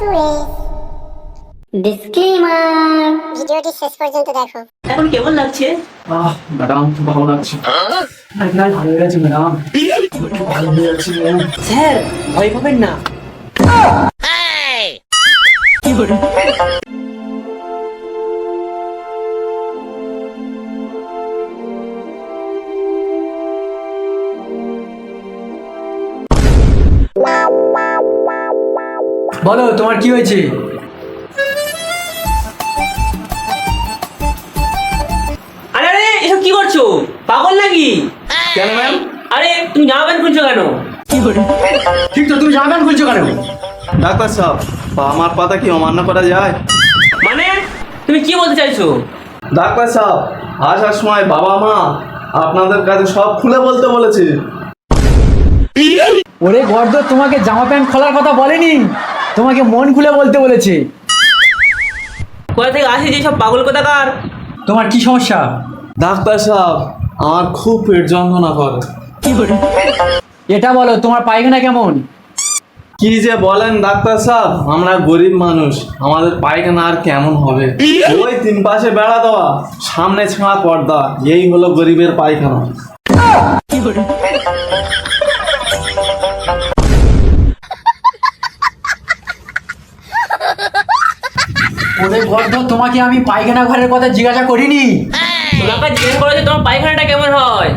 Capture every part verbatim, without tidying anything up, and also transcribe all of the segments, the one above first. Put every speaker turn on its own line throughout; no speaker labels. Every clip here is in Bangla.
সুরেশ। ডিসক্লেমার, ভিডিওটি শেষ পর্যন্ত দেখো।
এখন কেমন লাগছে?
আহ ম্যাডাম খুব ভালো লাগছে। ভালো হয়ে গেছে ম্যাডাম, ভালো হয়ে যাচ্ছে।
স্যার ভয় পাবেন না। কি করে?
বলো তোমার কি হয়েছে?
আরে আরে এসব কি করছো? পাগল নাকি?
কেন ম্যাম?
আরে তুমি জামা প্যান্ট খুলছো কেন? কি করে?
ঠিক তো, তুমি জামা প্যান্ট খুলছো কেন?
ডাক্তার সাহেব, আমার কথা কি অমান্য করা যায়?
মানে তুমি কি বলতে চাইছো?
ডাক্তার সাহেব, আসার সময় বাবা মা আপনাদের কাছে সব খুলে বলতে বলেছে।
ওরে গর্দ, তোমাকে জামা প্যান্ট খোলার কথা বলেনি, তোমাকে মন খুলে বলতে বলেছে।
কোথা থেকে আসে যে সব পাগল কোথাকার?
তোমার কি সমস্যা?
ডাক্তার সাহেব, আমার খুব পেট যন্ত্রণা করে।
কি করে?
এটা বলো, তোমার পায়খানা কেমন?
কি যে বলেন ডাক্তার সাহেব, আমরা গরিব মানুষ, আমাদের পায়খানা আর কেমন হবে? ওই তিন পাশে বেড়া দেওয়া, সামনে ছেঁড়া পর্দা, এই হলো গরিবের পায়খানা।
কি করে?
ওরে গর্দ, তোমাকে আমি পায়খানা ঘরের কথা জিজ্ঞাসা করিনি।
তোমাকে জিজ্ঞেস করো যে তোমার পায়খানাটা কেমন হয়।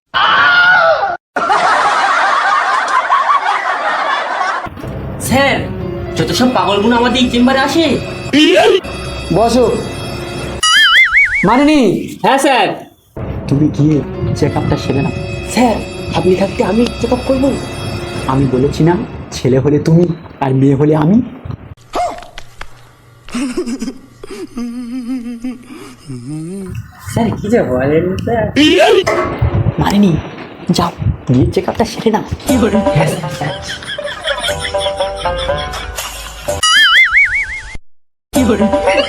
স্যার, যত সব পাগলগুলো আমাদের এই চেম্বারে আসে।
বসো। মানিনি,
হ্যাঁ স্যার।
তুমি গিয়ে চেক আপটা সেরে নাও।
স্যার আপনি থাকতে আমি চেক আপ করবো?
আমি বলেছি না, ছেলে হলে তুমি আর মেয়ে হলে আমি।
স্যার কি যে বলেন স্যার।
মানিনি, যাও গিয়ে চেক আপটা সেরে নাও।
কি করে? কি করে?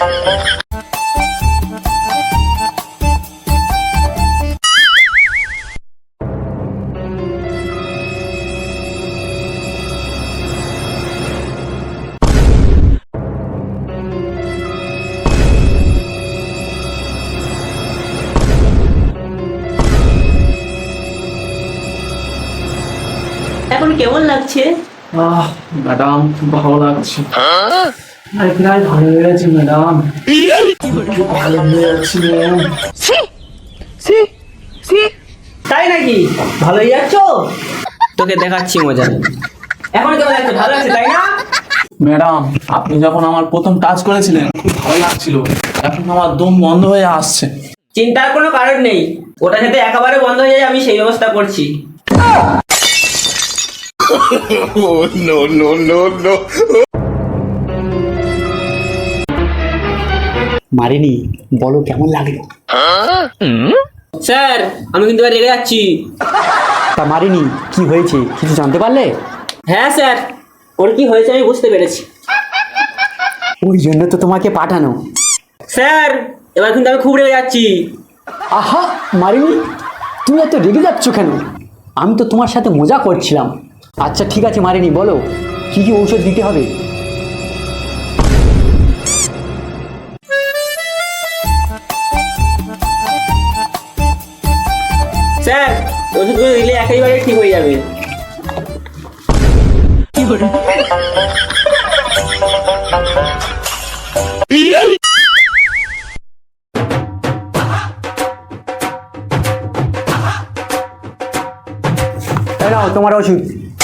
এখন কেমন লাগছে?
আহ ম্যাডাম খুব ভালো লাগছে। প্রায় ভালো হয়ে গেছে ম্যাডাম, খুব ভালো হয়ে যাচ্ছে ম্যাম।
তাই নাকি? ভালোই যাচ্ছ? তোকে দেখাচ্ছি মজা। এখন কেমন লাগছে? ভালো লাগছে তাই না?
ম্যাডাম, আপনি যখন আমার প্রথম টাচ করেছিলেন খুব ভালো লাগছিল, এখন আমার দম বন্ধ হয়ে আসছে।
চিন্তার কোনো কারণ নেই, ওটা যাতে একেবারে বন্ধ হয়ে যায় আমি সেই ব্যবস্থা করছি।
মারিনি, বলো কেমন লাগলো?
স্যার আমি কিন্তু এবার রেগে যাচ্ছি।
তা মারিনি, কি হয়েছে কিছু জানতে পারলে?
হ্যাঁ স্যার, ওর কি হয়েছে আমি বুঝতে পেরেছি।
ওই জন্য তো তোমাকে পাঠানো।
স্যার এবার কিন্তু আমি খুব রেগে যাচ্ছি।
আহা মারিনি, তুমি এত রেগে যাচ্ছ কেন? আমি তো তোমার সাথে মজা করছিলাম। আচ্ছা ঠিক আছে মারিনি, বলো কি কি ঔষধ দিতে হবে?
স্যার ওষুধগুলো দিলে একেবারে ঠিক হয়ে যাবে। কি করে?
এই নাও তোমার ওষুধ।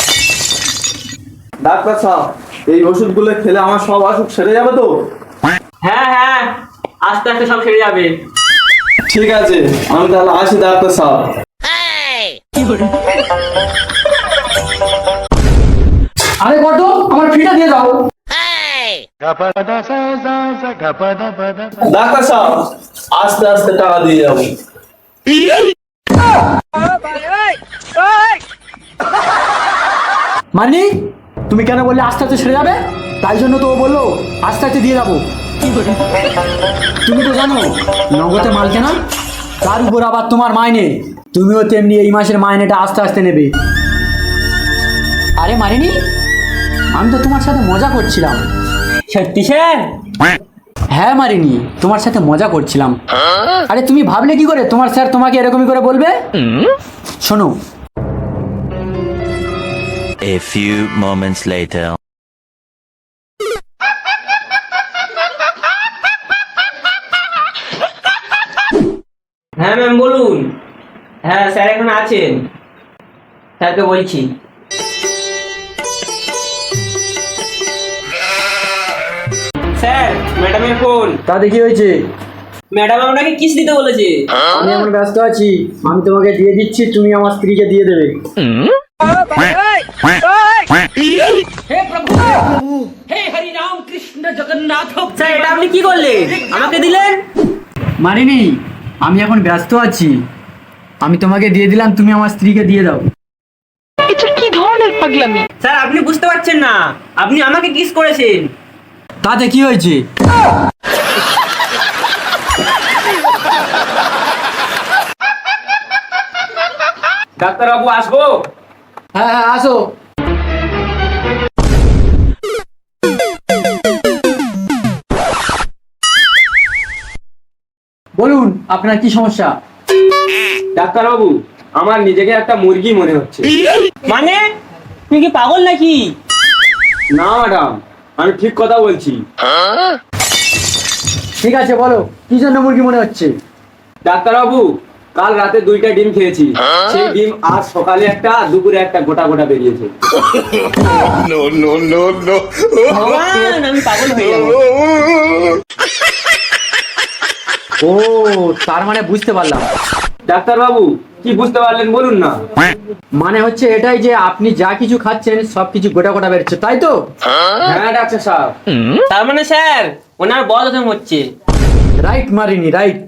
ডাক্তার সাহেব, এই ওষুধগুলো খেলে আমার সব অসুখ সেরে যাবে তো?
হ্যাঁ হ্যাঁ, আস্তে আস্তে সব সেরে যাবে।
ঠিক আছে, আমি তাহলে আসি ডাক্তার সাহেব।
কি করে?
আরে কত, আমার ফিটা দিয়ে দাও।
ডাক্তার সাহেব, আস্তে আস্তে টাকা দিয়ে যাবো।
মানি, তুমি কেন বললে আস্তে আস্তে সেরে যাবে? তাই জন্য তো ও বললো আস্তে আস্তে দিয়ে যাবো।
কি করে?
তুমি তো জানো নগদে মাল কেনা, তার উপর আবার তোমার মাইনে, তুমিও তেমনি এই মাসের মাইনেটা আস্তে আস্তে নেবে। আরে মারিনি, আমি তো তোমার সাথে মজা করছিলাম,
সত্যি স্যার?
হ্যাঁ মারিনি, তোমার সাথে মজা করছিলাম। আরে তুমি ভাবলে কি করে তোমার স্যার তোমাকে এরকমই করে বলবে? শোনো,
A few moments later.
হ্যাঁ ম্যাম বলুন। হ্যাঁ স্যার এখন আছেন, স্যারকে বলছি। স্যার ম্যাডামের ফোন।
তাতে কি হয়েছে?
ম্যাডাম আপনাকে কিস দিতে বলেছে।
আমি এখন ব্যস্ত আছি, আমি তোমাকে দিয়ে দিচ্ছি, তুমি আমার স্ত্রীকে দিয়ে দেবে।
স্যার এটা আপনি কি করলেন, আমাকে দিলেন?
মারিনি, আমি এখন ব্যস্ত আছি, আমি তোমাকে দিয়ে দিলাম, তুমি আমার স্ত্রীকে দিয়ে দাও।
স্যার আপনি বুঝতে পারছেন না, আপনি আমাকে কিস করেছেন।
তাতে কি হয়েছে?
ডাক্তারবাবু আসবো?
হ্যাঁ হ্যাঁ আসো। বলুন আপনার কি সমস্যা?
ডাক্তারবাবু আমার নিজেকে একটা মুরগি মনে হচ্ছে। মানে তুই কি পাগল নাকি?
না ম্যাডাম, আমি ঠিক কথা বলছি।
ঠিক আছে বলো, কি জন্য মুরগি মনে হচ্ছে?
ডাক্তারবাবু, কাল রাতে দুইটা ডিম খেয়েছি, সেই ডিম আজ সকালে একটা, দুপুরে একটা গোটা গোটা বেরিয়েছে।
ভগবান আমি পাগল হয়ে যাবো।
ও তার মানে বুঝতে পারলাম।
ডাক্তারবাবু কি বুঝতে পারলেন বলুন না।
মানে হচ্ছে এটাই যে আপনি যা কিছু খাচ্ছেন সব কিছু গোটা গোটা বেরোচ্ছে, তাই তো?
হ্যাঁ ডাক্তার সাহেব।
তার মানে স্যার ওনার বদ হজম হচ্ছে।
রাইট মারিনি, রাইট।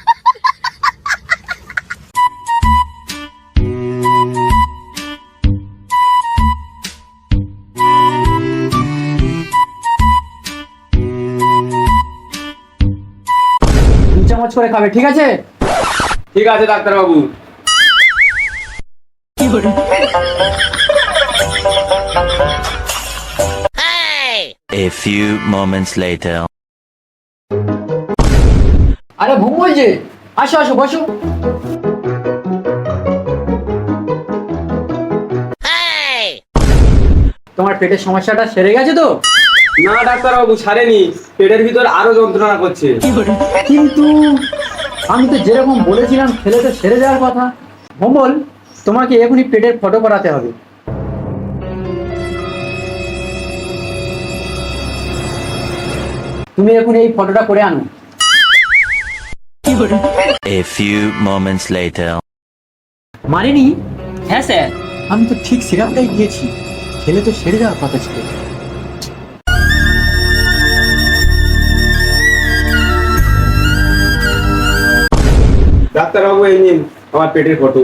দু চামচ করে খাবে, ঠিক আছে?
ঠিক আছে ডাক্তারবাবু।
A few moments later.
আরে ঘুম বলছে, আসো আসো বসো। তোমার পেটের সমস্যাটা সেরে গেছে তো?
না ডাক্তারবাবু ছাড়েনি, পেটের ভিতর আরো যন্ত্রণা করছে।
কিন্তু আমি তো যেরকম বলেছিলাম খেলে তো সেরে যাওয়ার কথা। ভোমল, তোমাকে এখনই পেটের ফটো করাতে হবে। তুমি এখন এই ফটোটা করে আনো।
A few moments later.
মারিনি,
হ্যাঁ স্যার।
আমি তো ঠিক সিরাপটাই দিয়েছি, খেলে তো সেরে যাওয়ার কথা ছিল।
ডাক্তারবাবু এই নিন আমার পেটের ফটো।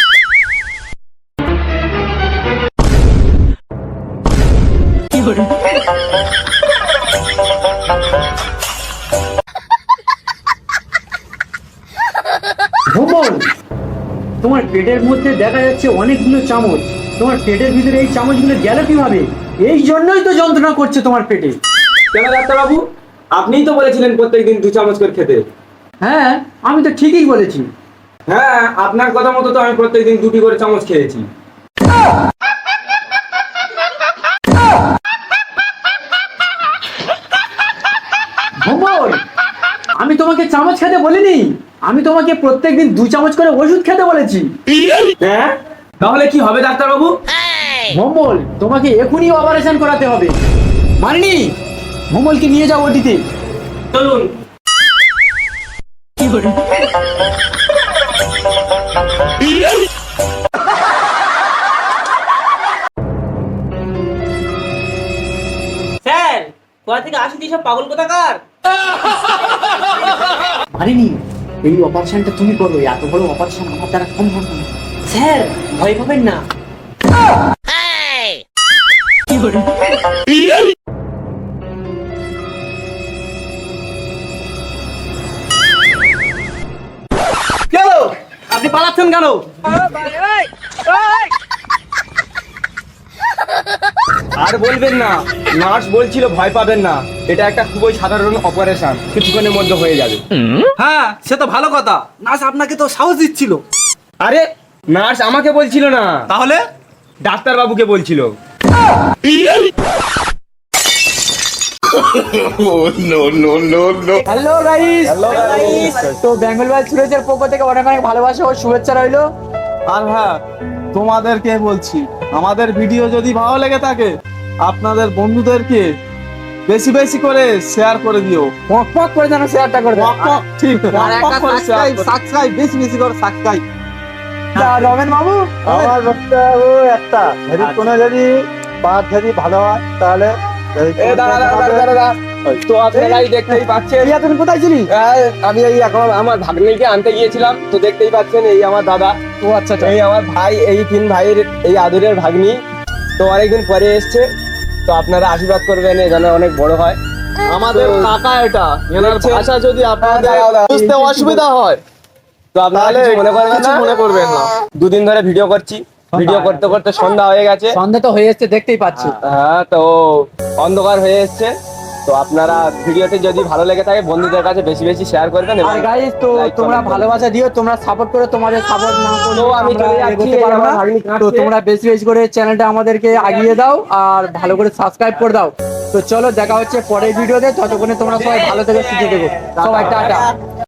ভোমল, তোমার পেটের মধ্যে দেখা যাচ্ছে অনেকগুলো চামচ, তোমার পেটের ভিতরে এই চামচগুলো গেল কিভাবে? এই জন্যই তো যন্ত্রণা করছে তোমার পেটে।
কেন ডাক্তারবাবু, আপনিই তো বলেছিলেন প্রত্যেকদিন দু চামচ করে খেতে।
হ্যাঁ আমি তো ঠিকই বলেছি।
হ্যাঁ আপনার কথা মতো তো আমি প্রত্যেকদিন দুটি করে চামচ খেয়েছি।
ভোমল, আমি তোমাকে চামচ খেতে বলিনি, আমি তোমাকে প্রত্যেকদিন দু চামচ করে ওষুধ খেতে বলেছি।
হ্যাঁ তাহলে কি হবে ডাক্তারবাবু?
ভোমল, তোমাকে এখনই অপারেশন করাতে হবে। মারিনি, ভোমলকে নিয়ে যাও ওটিতে।
চলুন। স্যার কোথা থেকে আসি সব পাগল কোথাকার?
মারিনি, এই অপারেশনটা তুমি করো, এত বড় অপারেশন আমার দ্বারা সম্ভব না।
স্যার ভয় পাবেন না।
কেন আপনি পালাচ্ছেন কেন?
আর বলবেন না, নার্স বলছিল ভয় পাবেন না, এটা একটা খুবই সাধারণ অপারেশন, কিছুক্ষণের মধ্যে হয়ে যাবে।
হ্যাঁ সে তো ভালো কথা, নার্স আপনাকে তো সাহস দিচ্ছিল।
আরে নার্স আমাকে বলছিল না,
তাহলে
ডাক্তার বাবুকে বলছিল।
হ্যালো গাইস, তো বেঙ্গল বাই সুরেশের পক্ষ থেকে অনেক অনেক ভালোবাসা ও শুভেচ্ছা রইলো।
আর হ্যাঁ তোমাদেরকে বলছি, আমাদের ভিডিও যদি ভালো লেগে থাকে আপনাদের বন্ধুদেরকে বেশি বেশি করে শেয়ার করে দিও।
পক পক করে যেন শেয়ারটা করে দাও।
ঠিক
আর একটা সাবস্ক্রাইব সাবস্ক্রাইব বেশি বেশি করে সাবস্ক্রাইব। রমেন বাবু,
আমার বক্তব্য একটা, যদি কোনো যদি বাদ যদি ভালো হয় তাহলে
এ দাঁড়া দাঁড়া দাঁড়া দাঁড়া, তো আপনারাই দেখতেই পাচ্ছেন,
ইয়া তুমি কোথায় ছিলি?
এই, আমি এই এখন আমার ভাগ্নিকে আনতে গিয়েছিলাম, তো দেখতেই পাচ্ছেন এই আমার দাদা,
ও আচ্ছা আচ্ছা।
এই আমার ভাই, এই তিন ভাইয়ের এই আদরের ভাগ্নি, তো অনেকদিন পরে এসছে, তো আপনারা আশীর্বাদ করবেন এ যেন অনেক বড় হয়।
আমাদের
তো-
কাকা এটা, এনার
দেখছেন?
ভাষা যদি আপনাদের
দাঁড়াও, দাঁড়াও।
বুঝতে অসুবিধা হয়
তো আপনারা
তাহলে
কিছু মনে করবেন
কিছু
না,
মনে করবেন না।
দুদিন ধরে ভিডিও করছি, ভিডিও করতে করতে সন্ধ্যা হয়ে গেছে,
সন্ধ্যা তো হয়ে এসছে দেখতেই পাচ্ছি।
হ্যাঁ তো অন্ধকার হয়ে এসছে, তো আপনারা ভিডিওতে যদি ভালো লেগে থাকে বন্ধুদের কাছে বেশি বেশি শেয়ার করবেন এবং
আর গাইস, তো
like,
তোমরা
comment
ভালোবাসা দিও, তোমরা সাপোর্ট করো, তোমাদের সাপোর্ট না করলে
তো আমি
আমরা
চলে যাচ্ছি,
এগোতে পারবো
আমার
না।
ভাগ্নি
তো
কাঁদছে।
তোমরা বেশি বেশি করে চ্যানেলটা আমাদেরকে আগিয়ে দাও আর ভালো করে সাবস্ক্রাইব করে দাও। তো চলো দেখা হচ্ছে পরের ভিডিওতে, ততক্ষণে তোমরা সবাই ভালো থেকো, সুস্থ থেকো, সবাই টাটা।